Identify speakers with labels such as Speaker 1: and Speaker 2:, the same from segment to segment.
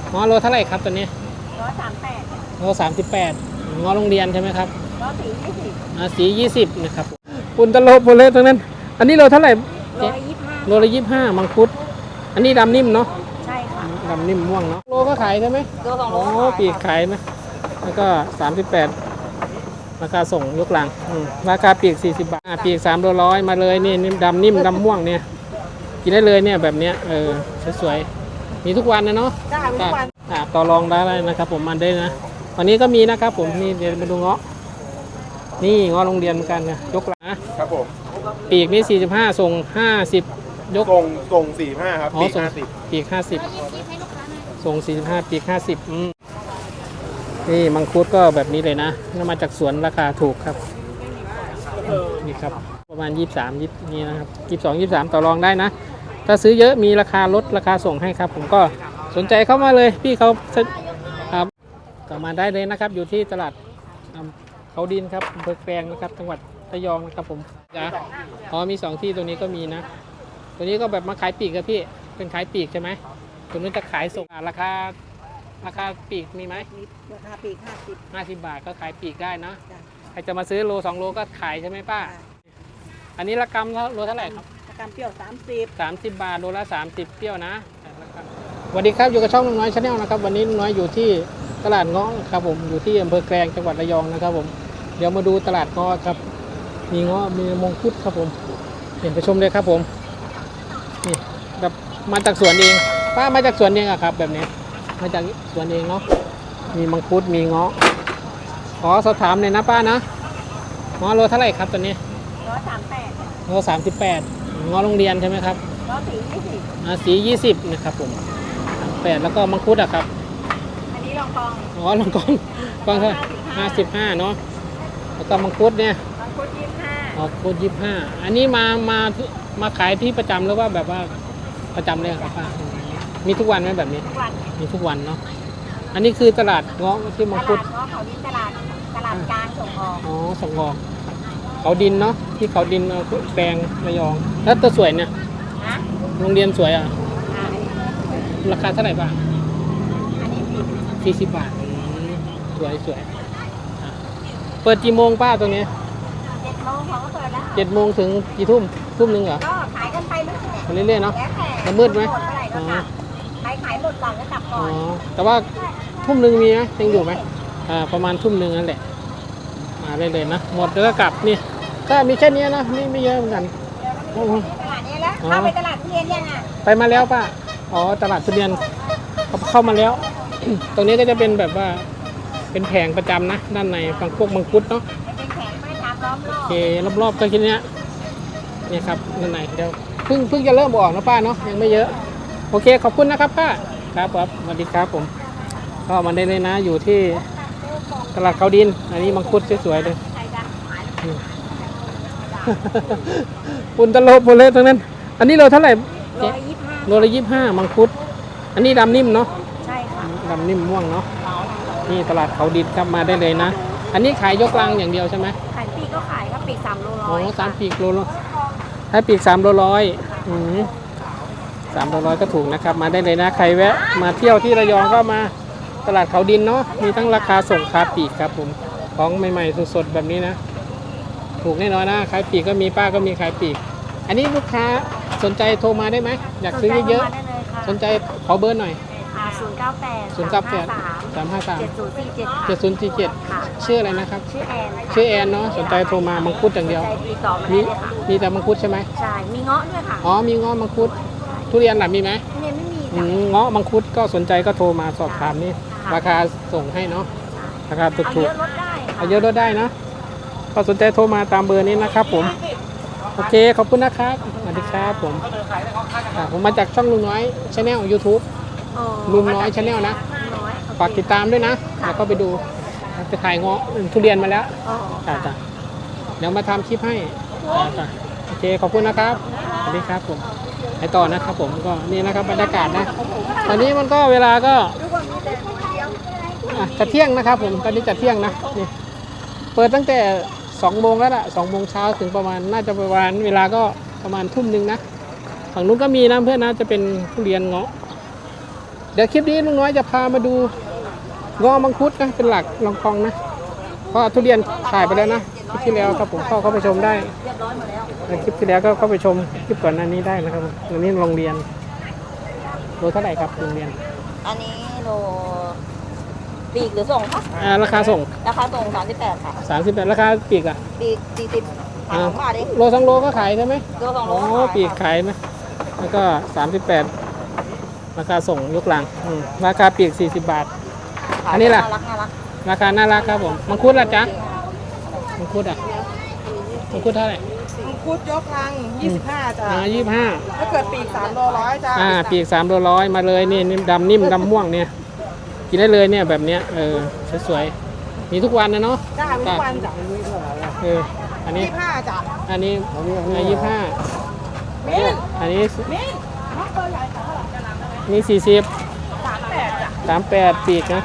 Speaker 1: งอโลเท่าไหร่ครับตัวนี้
Speaker 2: 138
Speaker 1: โล38งอโรงเรียนใช่ไหมครับ
Speaker 2: สี20
Speaker 1: สี20นะครับปุนตะโลโพเลตรงนั้นอันนี้โลเท่าไหร่
Speaker 2: 125
Speaker 1: โลละ25มังคุดอันนี้ดำนิ่มเนาะ
Speaker 2: ใช่ค่ะ
Speaker 1: ดำนิ่มม่วงเนาะโลก็ขายใช่ไหม
Speaker 2: โล2โล
Speaker 1: ปีกขายนะแล้วก็38ราคาส่งยกหลังราคาปีก40 บาทปีก3 โล 100มาเลยนี่ดำนิ่มดำม่วงเนี่ยกินได้เลยเนี่ยแบบเนี้ยสวยๆมีทุกวันนะเนาะ
Speaker 2: ได้ทุกวัน
Speaker 1: ต่อรองได้นะครับผมมันได้นะวันนี้ก็มีนะครับผมนี่เดี๋ยวมาดูเงาะนี่เงาะโรงเรียนเหมือนกันนะยกหลัง
Speaker 3: ครับผม
Speaker 1: ปีกนี่45ส่ง50ยก
Speaker 3: ส่ง45ครับปีก50
Speaker 1: ปีก50ส่ง45ปีก50นี่มังคุดก็แบบนี้เลยนะมาจากสวนราคาถูกครับนี่ครับประมาณ23นี่นะครับ22 23ต่อรองได้นะถ้าซื้อเยอะมีราคาลดราคาส่งให้ครับผมก็สนใจเข้ามาเลยพี่เขาครับก็มาได้เลยนะครับอยู่ที่ตลาดเขาดินครับอำเภอแกลงนะครับจังหวัดระยองนะครับผมจ้ะมี2ที่ตรงนี้ก็มีนะตัวนี้ก็แบบมาขายปีกครับพี่เป็นขายปีกใช่ไหมตัวนู้นจะขายส่งราคาปีกมีไหม
Speaker 2: ราคาปีก
Speaker 1: 50 บาทก็ขายปีกได้นะใครจะมาซื้อโล2 โลก็ขายใช่ไหมป้าอันนี้ละกำโลเท่าไหร่ครับ
Speaker 2: ละกำเปรี้ยว
Speaker 1: 30 บาทโลละ30เปรี้ยวนะสวัสดีครับอยู่กับช่องลุงน้อยชาแนลนะครับวันนี้ลุงน้อยอยู่ที่ตลาดเงาะครับผมอยู่ที่อำเภอแกลงจังหวัดระยองนะครับผมเดี๋ยวมาดูตลาดเงาะครับมีเงาะมีมงคุดครับผมเห็นไปชมเลยครับผมนี่แบบมาจากสวนเองป้ามาจากสวนเองอะครับแบบนี้มาจากสวนเองเนาะมีมังคุดมีเงาะขอสอบถามเลยนะป้านะเงาะโลเท่าไหร่ครับตัวนี้
Speaker 2: 138
Speaker 1: โล38เงาะโรงเรียนใช่ไหมครับ
Speaker 2: สี
Speaker 1: 20นะครับผม8แล้วก็มังคุดอะครับ
Speaker 2: อันนี้ลองกอง
Speaker 1: ลองกองเท่า55เนาะแล้วก็มังคุดเนี่ย
Speaker 2: มังคุด
Speaker 1: 25อันนี้มาขายที่ประจำหรือว่าแบบว่าประจำเลยครับป้ามีทุกวันไหมแบบนี้มีทุกวันเนาะอันนี้คือตลาดเงาะที่มังคุด
Speaker 2: เขาดินตลาดกลางส่งออก
Speaker 1: ส่งออกเขาดินเนาะที่เขาดินแปลงระยองแล้วตัวสวยเนี่ยโรงเรียนสวยอ่ะราคาเท่าไหร่บ้าง
Speaker 2: อันนี้
Speaker 1: 40 บาทสวยเปิดกี่โมงป้าตรงนี้
Speaker 2: 7 โมงเขาก็เปิดแล้ว
Speaker 1: 7 โมงถึงกี่ทุ่มนึงเหรอ
Speaker 2: ก็ขายกันไป
Speaker 1: เรื่อยๆเนาะจะมืดไหม
Speaker 2: ขายหมดก่อนก็กลับก่อน
Speaker 1: แต่ว่าทุ่มนึงมีไหมยังอยู่ไหมประมาณทุ่มนึงนั่นแหละมาเรื่อยๆนะหมดแล้วก็กลับนี่ก็มีแค่นี้นะไม่เยอะเหมือนกัน
Speaker 2: ตลาดนี้แล้วเข้าไปตลาดทุเรียนยังอ่ะ
Speaker 1: ไปมาแล้วป้าตลาดทุเรียนเข้ามาแล้ว ตรงนี้ก็จะเป็นแบบว่าเป็นแผงประจำนะด้านในฝั่งพวกมังคุดเนาะ
Speaker 2: เป็นแผงไม่ทำล้อมรอบ
Speaker 1: โอเครอบๆก็แค่นี้เนี่ยครับด้านในเดี๋ยวเพิ่งจะเริ่มออกนะป้าเนาะยังไม่เยอะโอเคขอบคุณนะครับป้าครับสวัสดีครับผมก็มาได้เลยนะอยู่ที่ตลาดเขาดินอันนี้มังคุดสวยๆเลยปุนตะโลโพเลตรงนั้นอันนี้โลเท่าไหร่โลละ25มังคุดอันนี้ดำนิ่มเนาะ
Speaker 2: ใช่ค่ะ
Speaker 1: ดำนิ่มม่วงเนาะนี่ตลาดเขาดินครับมาได้เลยนะอันนี้ขายยกลังอย่างเดียวใช่ไหม
Speaker 2: ขายปีกก็ขายครับปีก3 โล
Speaker 1: 3 ปีกโลให้ปีก3 โล 100 3 โล 100ก็ถูกนะครับมาได้เลยนะใครแวะมาเที่ยวที่ระยองก็มาตลาดเขาดินเนาะมีทั้งราคาส่งคาปีกครับผมของใหม่ๆสดๆแบบนี้นะถูกแน่นอนนะขายปีกก็มีป้าก็มีขายปีกอันนี้ลูกค้าสนใจโทรมาได้ไหมอยากซื้อเยอะๆสนใจขอเบอร์หน่อย7047 ชื่ออะไรนะครับชื่อแอนเนาะสนใจโทรมามังคุดอย่างเดียวมีแต่มังคุดใช่ไหม
Speaker 2: ใช่มีเงาะด้วยค่ะ
Speaker 1: มีเงาะมังคุดทุเรียนหล่ะมีไหม
Speaker 2: ทุเรียนไม่มี
Speaker 1: เงาะมังคุดก็สนใจก็โทรมาสอบถามนี่ราคาส่งให้เนาะราคาถูกๆเยอะลดได้นะก็สนใจโทรมาตามเบอร์นี้นะครับผมโอเคขอบคุณนะครับสวัสดีครับผมมาจากช่องลุงน้อยชาแนล YouTube ลุงน้อยชาแนลนะฝากติดตามด้วยนะแล้วก็ไปดูไปขายเงาะทุเรียนมาแล้วจ้ะเดี๋ยวมาทำคลิปให้จ้ะโอเคขอบคุณนะครับสวัสดีครับผมไปต่อนะครับผมก็นี่นะครับบรรยากาศนะตอนนี้มันก็เวลาก็จะเที่ยงนะครับผมตอนนี้จะเที่ยงนะนี่เปิดตั้งแต่2 โมงแล้วล่ะ2 โมงเช้าถึงประมาณน่าจะประมาณเวลาก็ประมาณทุ่มนึงนะฝั่งนู้นก็มีนะเพื่อนนะจะเป็นทุเรียนเงาะเดี๋ยวคลิปนี้ลุงน้อยจะพามาดูงอมังคุดนะเป็นหลักลองกองนะเพราะทุเรียนถ่ายไปแล้วนะคลิปที่แล้วครับผมเข้าไปชมได้คลิปที่แล้วก็เข้าไปชมคลิปก่อนหน้านี้ได้นะครับอันนี้โรงเรียนโลเท่าไหร่ครับโรงเรียน
Speaker 2: อันนี้โลปีกหรือส่งคะ
Speaker 1: ราคาส่ง
Speaker 2: ราคาส่ง38ค่ะ
Speaker 1: 38ราคาปีกอ่ะ
Speaker 2: ปีก40ขาย2 บาทเอง
Speaker 1: โล2 โลก็ขายใช่ไหม
Speaker 2: โล2โล
Speaker 1: โอ้ปีกขายไหมแล้วก็38ราคาส่งยกหลังราคาปีก40 บาท อันนี้ล่ะ
Speaker 2: น่ารัก
Speaker 1: ราคาน่ารักครับผมมังคุดล่ะจ๊ะมังคุดอ่ะมังคุดเท่าไหร่
Speaker 4: มังคุดยกลัง 25จ้ะ
Speaker 1: 25
Speaker 4: ถ้าเกิดปีก3โล100จ้ะ
Speaker 1: ปีก3 โลร้อยมาเลยนี่ดำนิ่มดำม่วงเนี่ยกินได้เลยเนี่ยแบบเนี้ยสวยๆมีทุกวันนะเนาะ
Speaker 4: จ้ามีทุกวันจ้ะ
Speaker 1: อันนี้
Speaker 4: 25จ้ะ
Speaker 1: อันนี้25
Speaker 4: มิ้น
Speaker 1: อันนี้
Speaker 4: มิ้นน้องตัวใหญ่ค่ะ
Speaker 1: นี่40
Speaker 4: 38จ้ะ
Speaker 1: 38ปีกนะ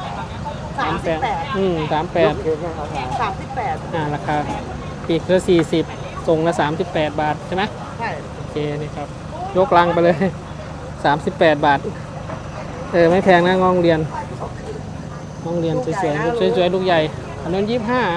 Speaker 4: 38
Speaker 1: 38
Speaker 4: 38
Speaker 1: ราคาปีกละ40ส่งละ38 บาทใช่ไหม
Speaker 4: ใช่
Speaker 1: โอเคนี่ครับยกลังไปเลย38 บาทไม่แพงนะงองเรียนสวยๆสวยๆลูกใหญ่อันนั้น25เอา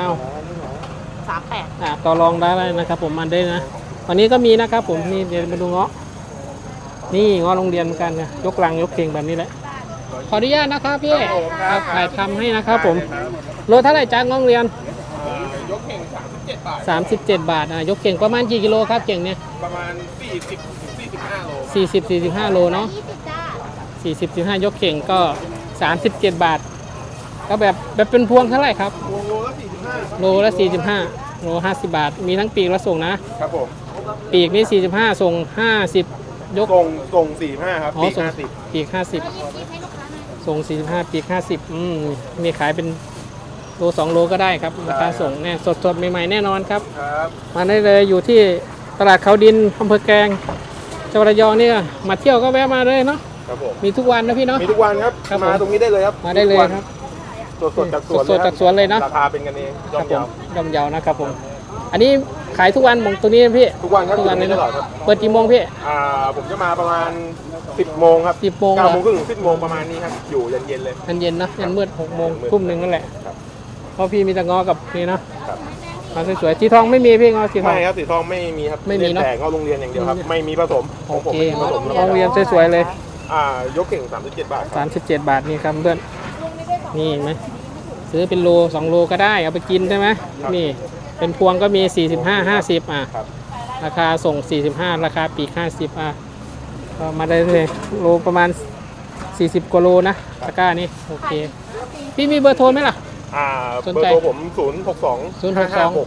Speaker 4: 38
Speaker 1: ต่อรองได้นะครับผมมันได้นะวันนี้ก็มีนะครับผมนี่เดี๋ยวมาดูเงาะนี่เงาะโรงเรียนเหมือนกันนะยกลังยกเข่งแบบนี้แหละขออนุญาตนะครับพี่ครับถ่ายทำให้นะครับผมโลเท่าไหร่จ้างงเรียน
Speaker 3: ยกเข่ง37 บาท
Speaker 1: 37 บาทยกเข่งประมาณกี่กิโลครับเข่งเนี่ย
Speaker 3: ประมาณ40-45 โล
Speaker 1: 40-45 โลเนาะ40-45 ยกเข่งก็37 บาทก็แบบเป็นพวงเท่าไหร่ครับ
Speaker 3: โลละ45
Speaker 1: โลละ45โล50 บาทมีทั้งปีกและส่งนะครับ
Speaker 3: ผม
Speaker 1: ปีกนี่45ส่ง50ยก
Speaker 3: ส่ง45ครับ ปีก
Speaker 1: ส่ง
Speaker 3: 50
Speaker 1: ปีก50ส่ง45ปีก50มีขายเป็นโล2 โลก็ได้ครับราคาส่งแน่สดๆใหม่ๆแน่นอนครับ
Speaker 3: ครับ
Speaker 1: มาได้เลยอยู่ที่ตลาดเขาดินอำเภอแกลงจังหวัดระยองนี่มาเที่ยวก็แวะมาเลยเนาะ
Speaker 3: ครับผม
Speaker 1: มีทุกวันนะพี่เนาะ
Speaker 3: มีทุกวันครับ
Speaker 1: ครับผม
Speaker 3: มาตรงนี้ได้เลยครับ
Speaker 1: มาได้เลยครับ
Speaker 3: สดๆจากสวน
Speaker 1: สดๆจากสวนเลยเนาะ
Speaker 3: ราคาเป็นกันเองย่
Speaker 1: ค
Speaker 3: อ
Speaker 1: รั
Speaker 3: ม
Speaker 1: ผม
Speaker 3: เยาว
Speaker 1: ย่อมเยาวนะครับผมอันนี้ขายทุกวันมงตัวนี้นะพี่
Speaker 3: ทุกวันครับ
Speaker 1: ทุกวันเลย
Speaker 3: ต
Speaker 1: เนาะ
Speaker 3: ลอดครับ
Speaker 1: เปิดกี่โมงพี่
Speaker 3: ผมจะมาประมาณ 10 โมงครับ
Speaker 1: 10 โมง
Speaker 3: 9 โมงครึ่งถึง10 โมงประมาณนี้ครับ อยู่เย็นๆเลย
Speaker 1: เย็นๆเนาะยันมืด6 โมงทุ่มหนึ่งนั่นแหละ
Speaker 3: ครับ
Speaker 1: เพราะพี่มีแต่งอกับนี่เนาะ
Speaker 3: ครับ
Speaker 1: มาสวยๆสีทองไม่มีพี่งอสีทอง
Speaker 3: ไม่ครับสีทองไม่มีครับ
Speaker 1: ไม่มีเนอะ
Speaker 3: แต่เข้าโรงเรียนอย่างเดียวครับ ไม่มีผสมข
Speaker 1: โอ
Speaker 3: องผม
Speaker 1: เค
Speaker 3: ไม่มีผสม
Speaker 1: โรงเรียนสวยๆเลย
Speaker 3: ยกเข่ง37 บาทครับ
Speaker 1: 37 บาทนี่ครับเพื่อนนี่เห็นไหมซื้อเป็นโล2 โลก็ได้เอาไปกินใช่ไหมนี่เป็นพวงก็มี45 50
Speaker 3: ครับ
Speaker 1: ราคาส่ง45ราคาปีก50ก็มาได้เลยโลประมาณ40 กว่าโลนะตะกร้านี่โอเคพี่มีเบอร์โทรไหมล่ะ สน
Speaker 3: เบอ
Speaker 1: ใจ
Speaker 3: ร์โทรผม062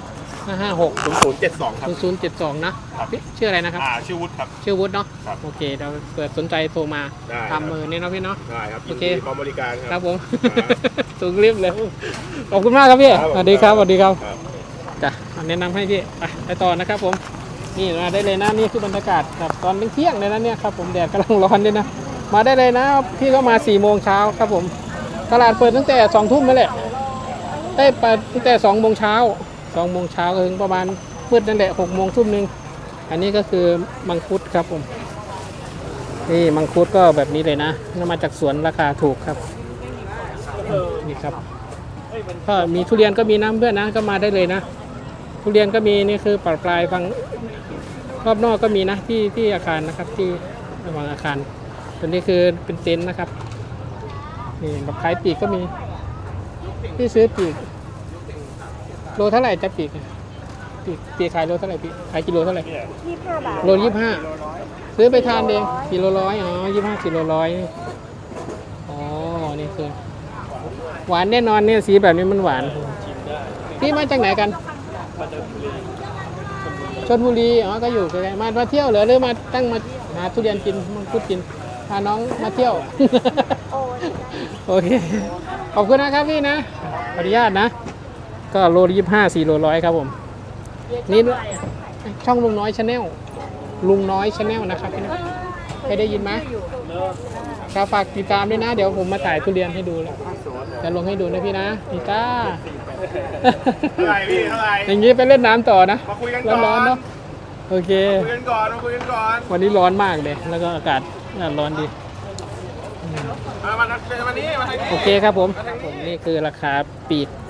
Speaker 1: 556
Speaker 3: 0072 ครับ
Speaker 1: 0072นะครับ พี่ชื่ออะไรนะครับ
Speaker 3: ชื่อวุฒิครับ
Speaker 1: ชื่อวุฒิเนาะ
Speaker 3: ครับ
Speaker 1: โอเคเดี๋ยวเปิดสนใจโทรมา
Speaker 3: ได้ครับ
Speaker 1: ทำมือนี่เนาะพี่เนาะ
Speaker 3: ได้ครับ
Speaker 1: โอ
Speaker 3: ยิน
Speaker 1: เค
Speaker 3: ดีพร้อมบริการค
Speaker 1: ค
Speaker 3: รั
Speaker 1: รั
Speaker 3: บบ
Speaker 1: ผม สูงรีบเลยขอบคุณมากครับพี่
Speaker 3: ครับ
Speaker 1: สวัสดีครับสวัสดีครับ
Speaker 3: ครับ
Speaker 1: จ้ะแนะนำให้พี่ไปต่อนะครับผมนี่มาได้เลยนะนี่คือบรรยากาศแบบตอนเที่ยงเลยนะเนี่ยครับผมแดดกำลังร้อนด้วยนะมาได้เลยนะพี่ก็มา4 โมงเช้าครับผมตลาดเปิดตั้งแต่2 ทุ่มนั่นแหละได้เปิดตั้งแต่2 โมงเช้า2 โมงเช้าถึงประมาณมืดนั่นแหละ6 โมงทุ่มนึงอันนี้ก็คือมังคุดครับผมนี่มังคุดก็แบบนี้เลยนะนำมาจากสวนราคาถูกครับนี่ครับก็มีทุเรียนก็มีน้ำเพื่อนนะก็มาได้เลยนะทุเรียนก็มีนี่คือปลายฝั่งรอบนอกก็มีนะที่อาคารนะครับที่ระหว่างอาคารตัวนี้คือเป็นเต็นท์นะครับนี่แบบขายปีกก็มีที่ซื้อปีกโลเท่าไหร่จะปีกปีกขายโลเท่าไหร่ปีกขายกิโลเท่าไหร่
Speaker 2: 25 บาท
Speaker 1: โล25ซื้อไปทานเองกิโลร้อย25กิโลร้อยอ๋อนี่คือหวานแน่นอนเนี่ยสีแบบนี้มันหวานพี่มาจากไหนกันชลบุรีก็อยู่ใกล้ๆมาเที่ยวเหรอหรือมาตั้งมาหาทุเรียนกินมังคุดกินพาน้องมาเที่ยว โอเคขอบคุณนะครับพี่นะขออนุญาตนะก็โล25 4 โลร้อยครับผมนี่ช่องลุงน้อยชาแนลลุงน้อยชาแนลนะครับพี่นะเคยได้ยินไหมครับฝากติดตามด้วยนะเดี๋ยวผมมาถ่ายทุเรียนให้ดูเลยจะลงให้ดูนะพี่นะนี่จ้า
Speaker 3: เท่าไหร่พี่เท่าไหร่
Speaker 1: อย่างนี้ไปเล่นน้ำต่อนะ
Speaker 3: มาคุยกันก่อน
Speaker 1: ร้อนๆเนาะโอเค
Speaker 3: มาคุยกันก่อน
Speaker 1: วันนี้ร้อนมากเลยแล้วก็อากาศร้อนดี
Speaker 3: มานี้มาทางนี้
Speaker 1: โอเคครับผมนี่คือราคาปีก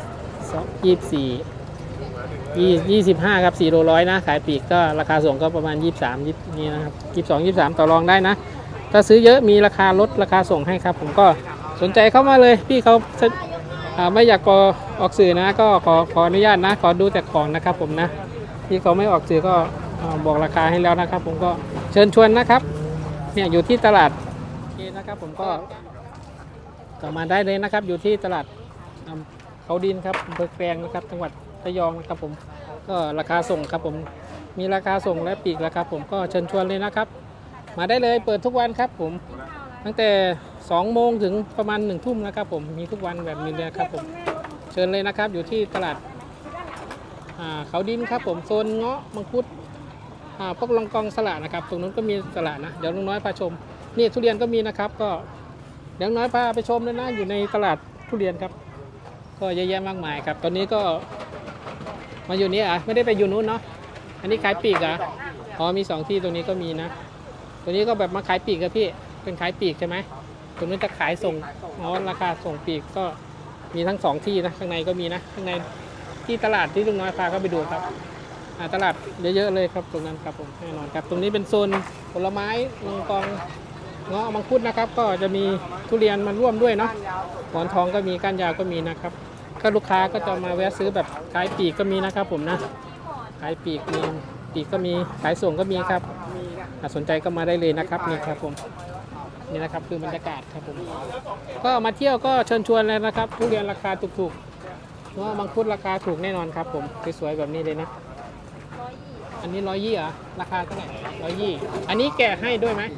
Speaker 1: 25ครับ4โลร้อยนะขายปีกก็ราคาส่งก็ประมาณ23นี่นะครับ22 23ต่อรองได้นะถ้าซื้อเยอะมีราคาลดราคาส่งให้ครับผมก็สนใจเข้ามาเลยพี่เขาไม่อยากออกสื่อนะก็ขออนุญาตนะขอดูแต่ของนะครับผมนะพี่เขาไม่ออกสื่อก็บอกราคาให้แล้วนะครับผมก็เชิญชวนนะครับเนี่ยอยู่ที่ตลาดโอเคนะครับผมก็มาได้เลยนะครับอยู่ที่ตลาดเขาดินครับอำเภอแกลงนะครับจังหวัดระยองนะครับผมก็ราคาส่งครับผมมีราคาส่งและปีกราคาผมก็เชิญชวนเลยนะครับมาได้เลยเปิดทุกวันครับผมตั้งแต่2 โมงถึงประมาณ1 ทุ่มนะครับผมมีทุกวันแบบนี้เลยครับผมเชิญเลยนะครับอยู่ที่ตลาดเขาดินครับผมโซนเงาะมังคุดพวกลองกองสละนะครับตรงนู้นก็มีสละนะเดี๋ยวลุงน้อยพาชมนี่ทุเรียนก็มีนะครับก็เดี๋ยวน้อยพาไปชมเลยนะอยู่ในตลาดทุเรียนครับก็เยอะแยะมากมายครับตอนนี้ก็มาอยู่นี่ไม่ได้ไปอยู่นู้นเนาะอันนี้ขายปีกอ๋อมี2 ที่ตรงนี้ก็มีนะตัวนี้ก็แบบมาขายปีกครับพี่เป็นขายปีกใช่ไหมตรงนู้นจะขายส่งอ๋อราคาส่งปีกก็มีทั้ง2 ที่นะข้างในก็มีนะข้างในที่ตลาดที่ลุงน้อยพาก็ไปดูครับตลาดเยอะๆเลยครับตรงนั้นครับผมแน่นอนครับตรงนี้เป็นโซนผลไม้ลงกองเงาะมังคุดนะครับก็จะมีทุเรียนมาร่วมด้วยเนาะหมอนทองก็มีก้านยาวก็มีนะครับก็ลูกค้าก็จะมาแวะซื้อแบบขายปีกก็มีนะครับผมนะขายปีกมีปีกก็มีขายส่งก็มีครับสนใจก็มาได้เลยนะครับนี่ครับผมนี่นะครับคือบรรยากาศครับผมก็มาเที่ยวก็เชิญชวนเลยนะครับทุเรียนราคาถูกๆเงาะมังคุดราคาถูกแน่นอนครับผมสวยๆแบบนี้เลยนะอันนี้120เหรอราคาเท่าไหร่120อันนี้แกะให้ด้วยไหม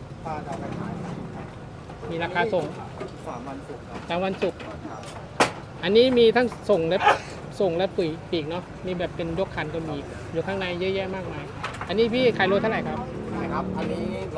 Speaker 1: มีราคาส่ง3 วันศุกร์อันนี้มีทั้งส่งและปีกเนาะมีแบบเป็นยกคันก็มีอยู่ข้างในเยอะแยะมากมายอันนี้พี่ขายโลเท่าไหร่ครับ
Speaker 5: ครับอันนี้โล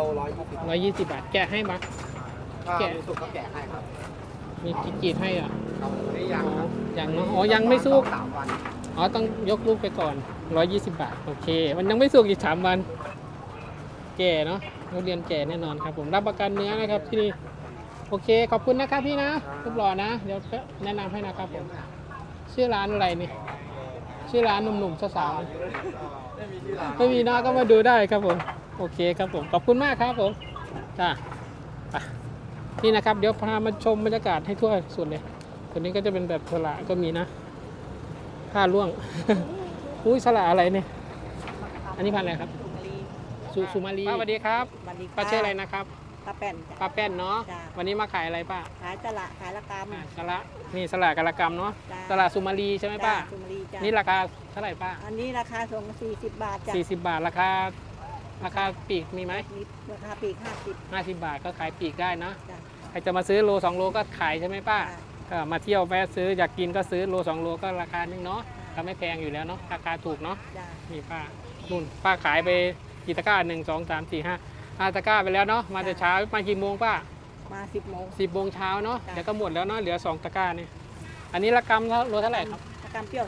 Speaker 1: 120 บาทแกะให้มั้ยแกะ
Speaker 5: สุกก็แกะให้ครับ
Speaker 1: มีกีดให้อ่ะยังเนาะอ๋อยังไม่สุก
Speaker 5: 3 วัน
Speaker 1: อ๋อต้องยกลูกไปก่อน120 บาทโอเคมันยังไม่สุกอีก3 วันแก่เนาะทุเรียนแก่แน่นอนครับผมรับประกันเนื้อนะครับที่นี่โอเคขอบคุณนะครับพี่นะรูปหล่อนะเดี๋ยวแนะนำให้นะครับผมชื่อร้านอะไรนี่ชื่อร้านหนุ่มๆสาวๆไม่มีนะก็มาดูได้ครับผมโอเคครับผมขอบคุณมากครับผมจ้านี่นะครับเดี๋ยวพามาชมบรรยากาศให้ทั่วส่วนเลยตัวนี้ก็จะเป็นแบบสละก็มีนะผ้าล่วงอุ้ยสละอะไรเนี่ยอันนี้พันธุ์อะไรครับสุมาลีสวัสดีครับป้าชื่ออะไรนะครับ
Speaker 2: ป้าแป้น
Speaker 1: ป้าแป้นเนาะวันนี้มาขายอะไรป้า
Speaker 2: ขายสละขายละกำ
Speaker 1: สละนี่สละกระกำเนาะสละสุมาลีใช่ไหมป้านี่ราคาเท่าไหร่ป้า
Speaker 2: อันนี้ราคาส่ง40 บาทจ้ะ
Speaker 1: 40 บาทราคาปีกมีไหม
Speaker 2: ราคาปีก
Speaker 1: 50 บาทก็ขายปีกได้นะใครจะมาซื้อโล2 โลก็ขายใช่ไหมป้าก็มาเที่ยวแวะซื้ออยากกินก็ซื้อโล2 โลก็ราคานึงเนาะก็ไม่แพงอยู่แล้วเนาะราคาถูกเนาะนี่ป้านู่นป้าขายไปกี่ตะกร้า1 2 3 4 5ตะกร้าไปแล้วเนาะมาแต่เช้ามากี่โมงป้า
Speaker 2: มา10 โมง
Speaker 1: 10 โมงเช้าเนาะเดี๋ยวก็หมดแล้วเนาะเหลือ2 ตะกร้านี่อันนี้ละกำโลเท่าไหร่ครับ
Speaker 2: ละกำเปรี้ยว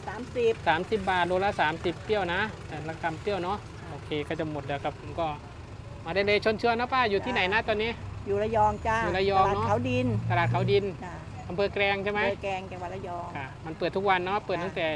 Speaker 1: 30 บาทโลละ30เปรี้ยวนะแต่ละกำเปรี้ยวเนาะโอเคก็จะหมดแล้วครับผมก็มาได้เลยชวนนะป้าอยู่ที่ไหนนะตอนนี้
Speaker 2: อยู่ระยองจ้า
Speaker 1: อยู่ระยองเนาะ
Speaker 2: ตลาดเขาดิน
Speaker 1: อำเภอแกลงใช่ไหม
Speaker 2: อำเภอแกลงจังหวัดระยอง
Speaker 1: มันเปิดทุกวันเนาะเปิดตั้งแต่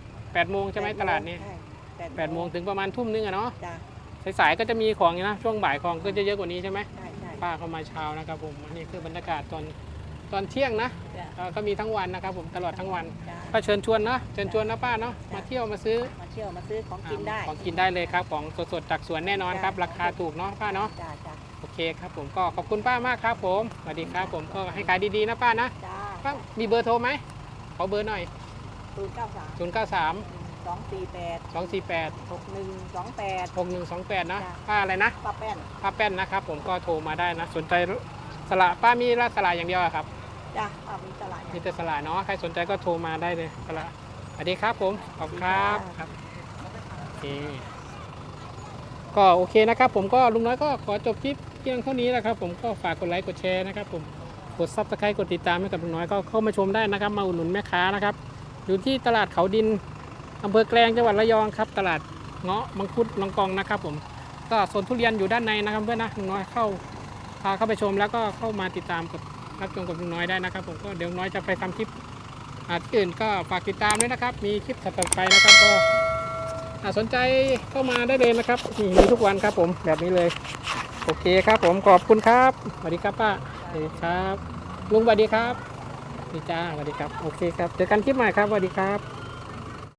Speaker 1: 8 โมงใช่ไหมตลาดนี้8 โมงถึงประมาณทุ่มนึงอะเนาะสายๆก็จะมีของนะช่วงบ่ายของก็จะเยอะกว่านี้ใช่ไหมป้าเข้ามาเช้านะครับผมอันนี้คือบรรยากาศตอนเที่ยงนะก็มีทั้งวันนะครับผมตลอดทั้งวันก็เชิญชวนนะป้าเนาะมาเที่ยวมาซื้อ
Speaker 2: ของกินได้
Speaker 1: ของกินได้เลยครับของสดๆจากสวนแน่นอนครับราคาถูกเนาะป้าเนาะโอเคครับผมก็ขอบคุณป้ามากครับผมสวัสดีครับผมก็ให้ขายดีๆนะป้านะป้ามีเบอร์โทรไหมขอเบอร์หน่อย093 248 6128นะป้าอะไรนะ
Speaker 2: ป้าแ
Speaker 1: ป้นนะครับผมก็โทรมาได้นะสนใจสละป้ามีสละอย่างเดียวครับ
Speaker 2: จ้ะมีสละ
Speaker 1: มีแต่สละเนาะใครสนใจก็โทรมาได้เลยสละสวัสดีครับผมขอบคุณครับโอเคก็โอเคนะครับผมก็ลุงน้อยก็ขอจบคลิปเพียงเท่านี้แหละครับผมก็ฝากกดไลค์กดแชร์นะครับผมกด Subscribe กดติดตามให้กับลุงน้อยก็เข้ามาชมได้นะครับมาอุดหนุนแม่ค้านะครับอยู่ที่ตลาดเขาดินอำเภอแกลงจังหวัดระยองครับตลาดเงาะมังคุดลองกองนะครับผมก็สวนทุเรียนอยู่ด้านในนะครับเพื่อนนะลุงน้อยพาเข้าไปชมแล้วก็เข้ามาติดตามกับรับชมกับลุงน้อยได้นะครับผมก็เดี๋ยวลุงน้อยจะไปทำคลิปที่อื่นก็ฝากติดตามด้วยนะครับมีคลิปถัดไปนะครับก็สนใจเข้ามาได้เลยนะครับมีทุกวันครับผมแบบนี้เลยโอเคครับผมขอบคุณครับสวัสดีครับป้าสวัสดีครับลุงสวัสดีครับดีจ้าสวัสดีครับโอเคครับเจอกันคลิปใหม่ครับสวัสดีครับ